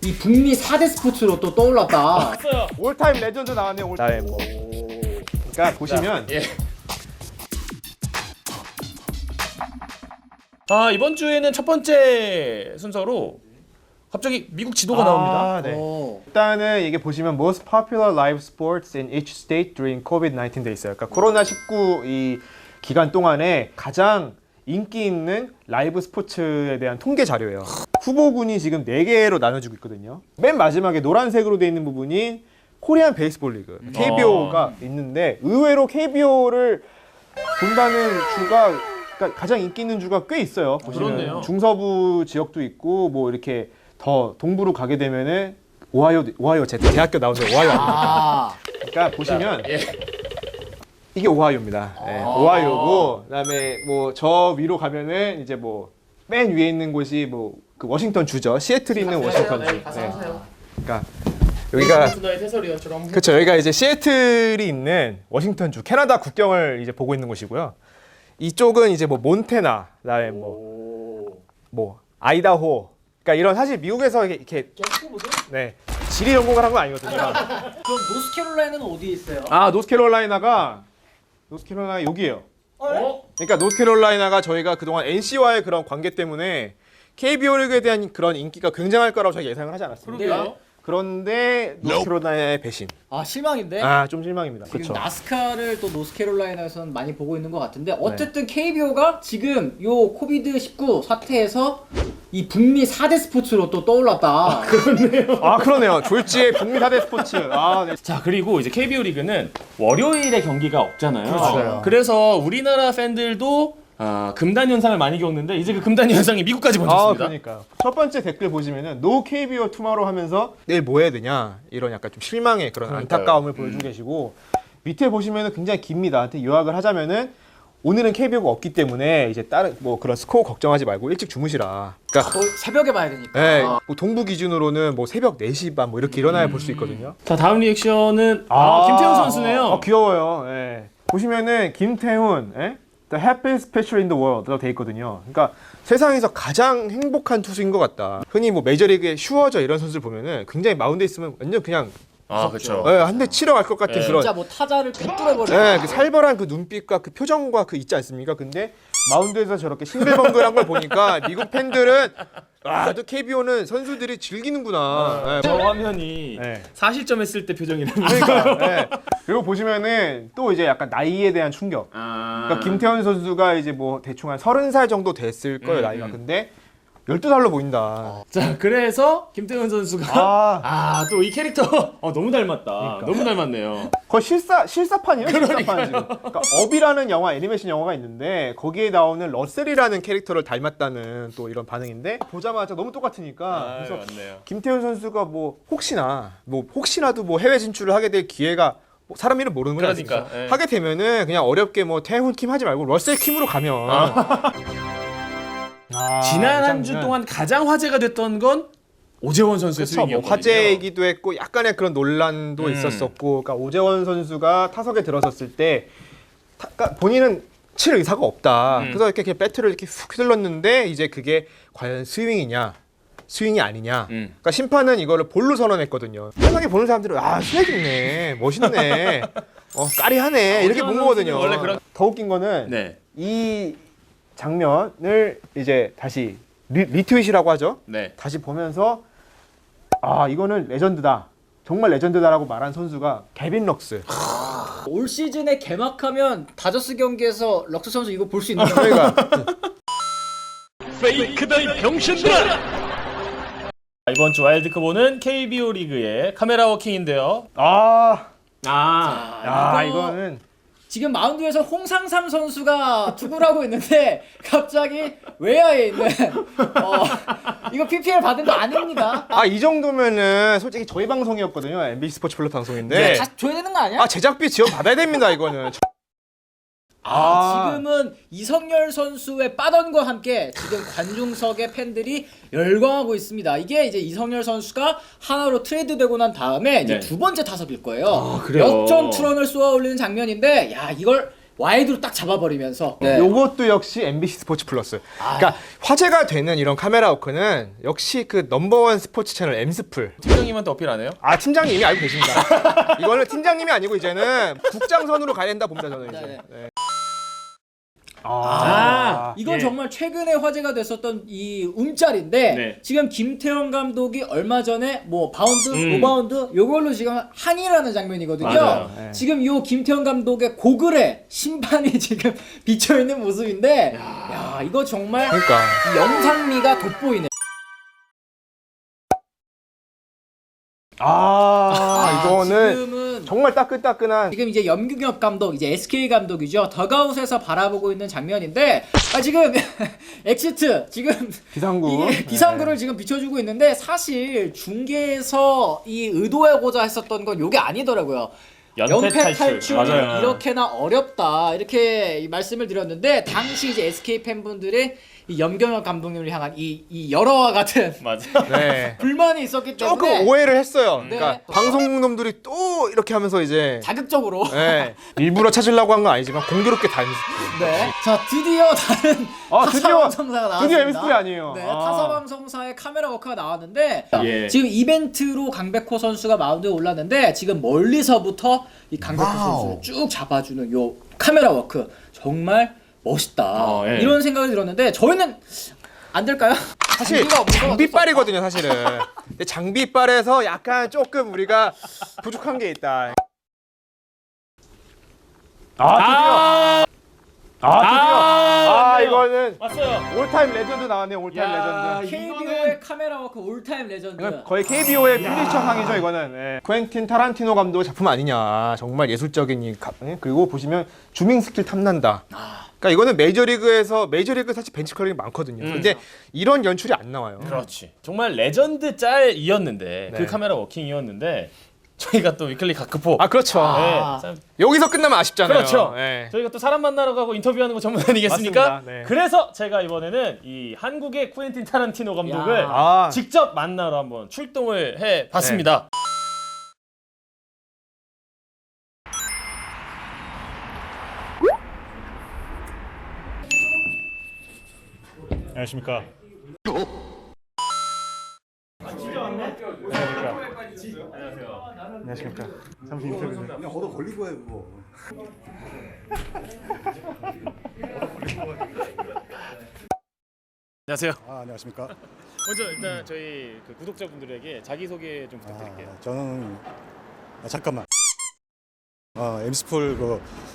이 북미 4대 스포츠로 또 떠올랐다. 올타임 레전드 나왔네. 올타임 뭐. 그러니까 보시면 예. 이번 주에는 첫 번째 순서로 갑자기 미국 지도가 나옵니다. 네. 오. 일단은 이게 보시면 most popular live sports in each state during COVID-19 돼 있어요. 그러니까 코로나19 이 기간 동안에 가장 인기 있는 라이브 스포츠에 대한 통계 자료예요. 후보군이 지금 4개로 나눠지고 있거든요. 맨 마지막에 노란색으로 돼 있는 부분이 코리안 베이스볼 리그, KBO가 있는데 의외로 KBO를 본다는 주가 그러니까 가장 인기 있는 주가 꽤 있어요. 보시면 그렇네요. 중서부 지역도 있고 뭐 이렇게 더 동부로 가게 되면은 오하이오 제 대학교 나오는데 오하이오 아닙니까? 아, 그러니까 보시면 예. 이게 오하이오입니다. 네, 오하이오고 그다음에 뭐 저 위로 가면은 이제 뭐 맨 위에 있는 곳이 뭐 그 워싱턴 주죠. 시애틀에 있는 워싱턴 주. 그러니까 여기가 수다의 해설위원처럼. 그렇죠. 여기가 이제 시애틀이 있는 워싱턴 주 캐나다 국경을 이제 보고 있는 곳이고요. 이쪽은 이제 뭐 몬태나, 그다음에 뭐 아이다호. 그러니까 이런 사실 미국에서 이렇게 네 지리 전공을 한 건 아니거든요. 그럼 노스캐롤라이나는 어디에 있어요? 노스캐롤라이나 여기예요. 그러니까 노스캐롤라이나가 저희가 그동안 NC와의 그런 관계 때문에 KBO 리그에 대한 그런 인기가 굉장할 거라고 저희가 예상을 하지 않았습니다. 그러게요. 그런데 노스캐롤라이나의 배신. 아, 실망인데? 좀 실망입니다. 지금 그렇죠. 나스카를 또 노스캐롤라이나에서는 많이 보고 있는 것 같은데 어쨌든 KBO가 지금 요 코비드-19 사태에서 이 북미 4대 스포츠로 또 떠올랐다. 그러네요. 졸지의 북미 4대 스포츠. 네. 자, 그리고 이제 KBO 리그는 월요일에 경기가 없잖아요. 그렇죠. 그래서 우리나라 팬들도 금단 현상을 많이 겪는데 이제 그 금단 현상이 미국까지 번졌습니다. 그러니까요. 첫 번째 댓글 보시면은 No KBO tomorrow 하면서 내일 뭐 해야 되냐 이런 약간 좀 실망의 그런 그러니까요. 안타까움을 보여주고 계시고 밑에 보시면은 굉장히 깁니다. 요약을 하자면은 오늘은 KBO가 없기 때문에 이제 다른 뭐 그런 스코어 걱정하지 말고 일찍 주무시라. 그러니까 또 새벽에 봐야 되니까. 네, 뭐 동부 기준으로는 뭐 새벽 4시 반 뭐 이렇게 일어나야 볼 수 있거든요. 자, 다음 리액션은 김태훈 선수네요. 귀여워요. 예. 보시면은 김태훈, The happiest pitcher in the world라고 돼 있거든요. 그러니까 세상에서 가장 행복한 투수인 것 같다. 흔히 뭐 메이저리그의 슈어저 이런 선수를 보면은 굉장히 마운드에 있으면 완전 그냥 그렇죠. 한 대 치러 갈 것 같은 그런 진짜 뭐 타자를 꿰뚫어버려. 그 살벌한 그 눈빛과 그 표정과 그 있지 않습니까? 근데 마운드에서 저렇게 싱글벙글한 걸 보니까 미국 팬들은 또 KBO는 선수들이 즐기는구나. 저 화면이 네. 4실점 했을 때 표정이랍니다. 그러니까. 그리고 보시면은 또 이제 약간 나이에 대한 충격. 그러니까 김태현 선수가 이제 뭐 대충 한 30살 정도 됐을 거예요, 나이가. 근데 12살로 보인다. 자, 그래서 김태훈 선수가 또 이 캐릭터 너무 닮았다. 그러니까. 너무 닮았네요. 거의 실사판이에요. 실사판 지금. 그러니까 업이라는 영화, 애니메이션 영화가 있는데 거기에 나오는 러셀이라는 캐릭터를 닮았다는 또 이런 반응인데 보자마자 너무 똑같으니까 그래서 맞네요. 김태훈 선수가 뭐 혹시나도 뭐 해외 진출을 하게 될 기회가 뭐 사람 이름 모르는 거지 그러니까, 않습니까? 예. 하게 되면은 그냥 어렵게 뭐 태훈 킴 하지 말고 러셀 킴으로 가면 지난 한 주 동안 가장 화제가 됐던 건 오재원 선수의 그렇죠. 뭐 스윙이었거든요. 화제이기도 했고 약간의 그런 논란도 있었었고, 그러니까 오재원 선수가 타석에 들어섰을 때 그러니까 본인은 칠 의사가 없다. 그래서 이렇게 배트를 이렇게 훅 휘둘렀는데 이제 그게 과연 스윙이냐, 스윙이 아니냐. 그러니까 심판은 이거를 볼로 선언했거든요. 편하게 보는 사람들은 스웩 있네, 멋있네, 까리하네 이렇게 본 거거든요. 원래 그런- 더 웃긴 거는 네. 이 장면을 이제 다시 리트윗이라고 하죠. 네. 다시 보면서 이거는 레전드다. 정말 레전드다라고 말한 선수가 개빈 럭스. 올 시즌에 개막하면 다저스 경기에서 럭스 선수 이거 볼 수 있는 거예요. 그러니까 페이크다 이 병신들아! 이번 주 와일드컵5는 KBO 리그의 카메라 워킹인데요. 이거는 지금 마운드에서 홍상삼 선수가 투구를 하고 있는데 갑자기 외야에 있는 이거 PPL 받은 거 아닙니다. 이 정도면은 솔직히 저희 방송이었거든요. MBC 스포츠 플러스 방송인데. 다시 줘야 되는 거 아니야? 제작비 지원 받아야 됩니다. 이거는. 지금은 이성열 선수의 빠던과 함께 지금 관중석의 팬들이 열광하고 있습니다. 이게 이제 이성열 선수가 하나로 트레이드되고 난 다음에 이제 네. 두 번째 타석일 거예요. 그래요? 역전 투런을 쏘아 올리는 장면인데 이걸 와이드로 딱 잡아버리면서 네. 요것도 역시 MBC 스포츠 플러스. 그러니까 화제가 되는 이런 카메라 워크는 역시 그 넘버원 스포츠 채널 M스플. 팀장님한테 어필 안 해요? 아, 팀장님 이미 알고 계십니다. 이거는 팀장님이 아니고 이제는 국장선으로 가야 된다 봅니다, 저는 이제. 네. 네. 이건 예. 정말 최근에 화제가 됐었던 이 움짤인데 네. 지금 김태형 감독이 얼마 전에 뭐 바운드, 노바운드 요걸로 지금 항의라는 장면이거든요. 맞아요. 네. 지금 요 김태형 감독의 고글에 심판이 지금 비쳐 있는 모습인데 야 이거 정말 그러니까. 이 영상미가 돋보이네. 이거는 지금은 정말 따끈따끈한. 지금 이제 염규엽 감독, 이제 SK 감독이죠. 더가웃에서 바라보고 있는 장면인데 지금 엑시트 지금 비상구. 이게 비상구를 지금 비춰주고 있는데 사실 중계에서 이 의도하고자 했었던 건 요게 아니더라고요. 연패 탈출이 맞아요. 이렇게나 어렵다 이렇게 이 말씀을 드렸는데 당시 이제 SK 팬분들의 이 염경엽 감독님을 향한 이 여러와 같은 맞아. 네. 불만이 있었기 때문에 조금 오해를 했어요. 네. 그러니까 방송놈들이 또 이렇게 하면서 이제 자극적으로 네. 일부러 찾으려고 한 건 아니지만 공교롭게 단. 네. 자 드디어 다른 드디어 타사방송사가 나왔습니다. 드디어 MSP 아니에요. 네, 아. 타사방송사의 카메라 워크가 나왔는데 예. 지금 이벤트로 강백호 선수가 마운드에 올랐는데 지금 멀리서부터 이 강백호 선수를 쭉 잡아주는 요 카메라 워크 정말 멋있다 예. 이런 생각이 들었는데 저희는 안 될까요? 사실 장비가 없어서 장비빨이거든요, 사실은. 근데 장비빨에서 약간 조금 우리가 부족한 게 있다. 드디어. 이거는 왔어요. 올타임 레전드 나왔네요. 올타임 야, 레전드. KBO의 카메라 워크 올타임 레전드. 이건 거의 KBO의 필리처상이죠, 이거는. 예. 쿠엔틴 타란티노 감독의 작품 아니냐. 정말 예술적인 그리고 보시면 주밍 스킬 탐난다. 그러니까 이거는 메이저리그 사실 벤치 컬링이 많거든요. 근데 이런 연출이 안 나와요. 그렇지. 정말 레전드 짤이었는데 네. 그 카메라 워킹이었는데 저희가 또 위클리 가크포. 그렇죠. 네, 참 여기서 끝나면 아쉽잖아요. 그렇죠. 예. 저희가 또 사람 만나러 가고 인터뷰하는 거 전문 아니겠습니까? 맞습니다. 네. 그래서 제가 이번에는 이 한국의 쿠엔틴 타란티노 감독을 야. 직접 만나러 한번 출동을 해 봤습니다. 안녕하십니까. 안녕하십니까. 잠시 인터뷰 좀. 그냥 얻어 걸리고 해 뭐. 안녕하세요. 안녕하십니까. 먼저 일단 저희 그 구독자분들에게 자기 소개 좀 부탁드릴게요. 저는 잠깐만. 엠스폴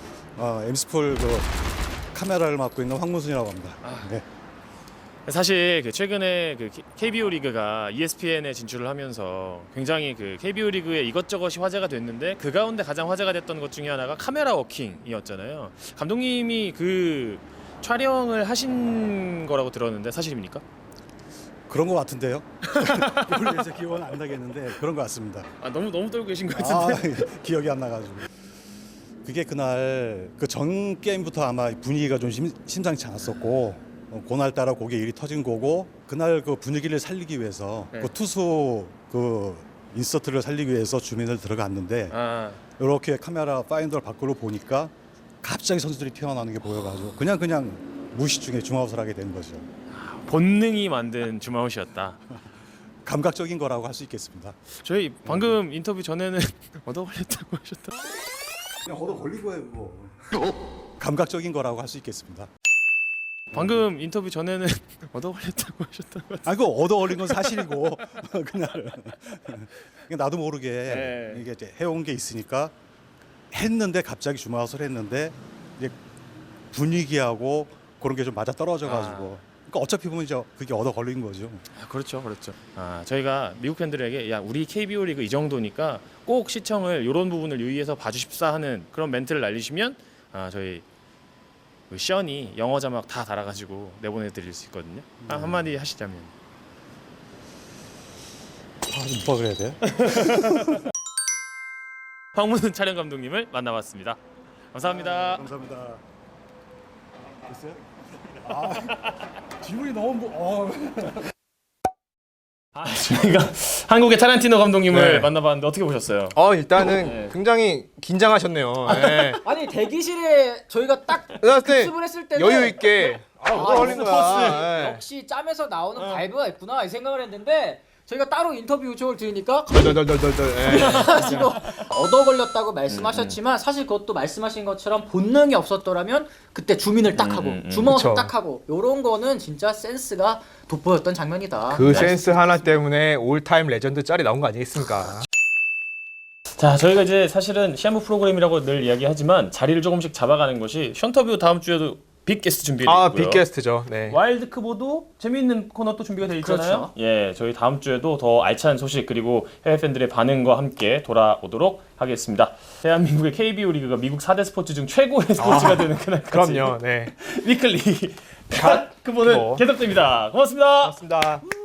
카메라를 맡고 있는 황문순이라고 합니다. 네. 사실 그 최근에 그 KBO 리그가 ESPN에 진출을 하면서 굉장히 그 KBO 리그에 이것저것이 화제가 됐는데 그 가운데 가장 화제가 됐던 것 중에 하나가 카메라 워킹이었잖아요. 감독님이 그 촬영을 하신 거라고 들었는데 사실입니까? 그런 것 같은데요. 물론 제 기억은 안 나겠는데 그런 것 같습니다. 너무 떨고 계신 것 같은데. 기억이 안 나가지고. 그게 그날 그 전 게임부터 아마 분위기가 좀 심상치 않았었고 그날따라 그게 일이 터진 거고 그날 그 분위기를 살리기 위해서 네. 그 투수 그 인서트를 살리기 위해서 주민을 들어갔는데 이렇게 카메라 파인더를 밖으로 보니까 갑자기 선수들이 튀어나오는 게 보여가지고 그냥 무의식 중에 줌아웃을 하게 된 거죠. 본능이 만든 줌아웃이었다. 감각적인 거라고 할 수 있겠습니다. 저희 방금 인터뷰 전에는 얻어 걸렸다고 하셨다. 그냥 얻어 걸리고 해 뭐. 감각적인 거라고 할 수 있겠습니다. 방금 인터뷰 전에는 얻어 걸렸다고 하셨다고. 그 얻어 걸린 건 사실이고 그날 나도 모르게 네. 이게 이제 해온 게 있으니까 했는데 갑자기 줌아웃을 했는데 이제 분위기하고 그런 게 좀 맞아 떨어져가지고 그러니까 어차피 보면 이제 그게 얻어 걸린 거죠. 그렇죠. 저희가 미국 팬들에게 야 우리 KBO 리그 이 정도니까 꼭 시청을 이런 부분을 유의해서 봐주십사 하는 그런 멘트를 날리시면 저희 그 션이 영어 자막 다 달아가지고 내보내드릴 수 있거든요. 한마디 하시자면. 뭐라 그래야 돼? 황문은 촬영 감독님을 만나봤습니다. 감사합니다. 감사합니다. 됐어요? 기분이 너무 저희가 한국의 타란티노 감독님을 네. 만나봤는데 어떻게 보셨어요? 일단은 굉장히 긴장하셨네요. 네. 아니 대기실에 저희가 딱 그랬을 때 급습을 했을 때는 여유 있게 뭐가 걸린 스포츠. 거야. 네. 역시 짬에서 나오는 바이브가 있구나 이 생각을 했는데 저희가 따로 인터뷰 요청을 드리니까 덜덜덜덜덜. 네. 가지고 얻어 걸렸다고 말씀하셨지만 사실 그것도 말씀하신 것처럼 본능이 없었더라면 그때 주민을 딱 하고 주먹을 그쵸. 딱 하고 요런 거는 진짜 센스가 돋보였던 장면이다. 그 센스 하나 때문에 올타임 레전드 짤이 나온 거 아니겠습니까? 자, 저희가 이제 사실은 시한부 프로그램이라고 늘 이야기하지만 자리를 조금씩 잡아가는 것이 션터뷰 다음 주에도 빅 게스트 준비되어 있고요. 빅게스트죠. 네. 와일드크보도 재미있는 코너 또 준비가 되어 있잖아요. 그렇죠. 예, 저희 다음 주에도 더 알찬 소식 그리고 해외 팬들의 반응과 함께 돌아오도록 하겠습니다. 대한민국의 KBO 리그가 미국 4대 스포츠 중 최고의 스포츠가 되는 그날까지 그럼요. 네. 위클리 갓 그보는 뭐. 계속됩니다. 고맙습니다. 고맙습니다.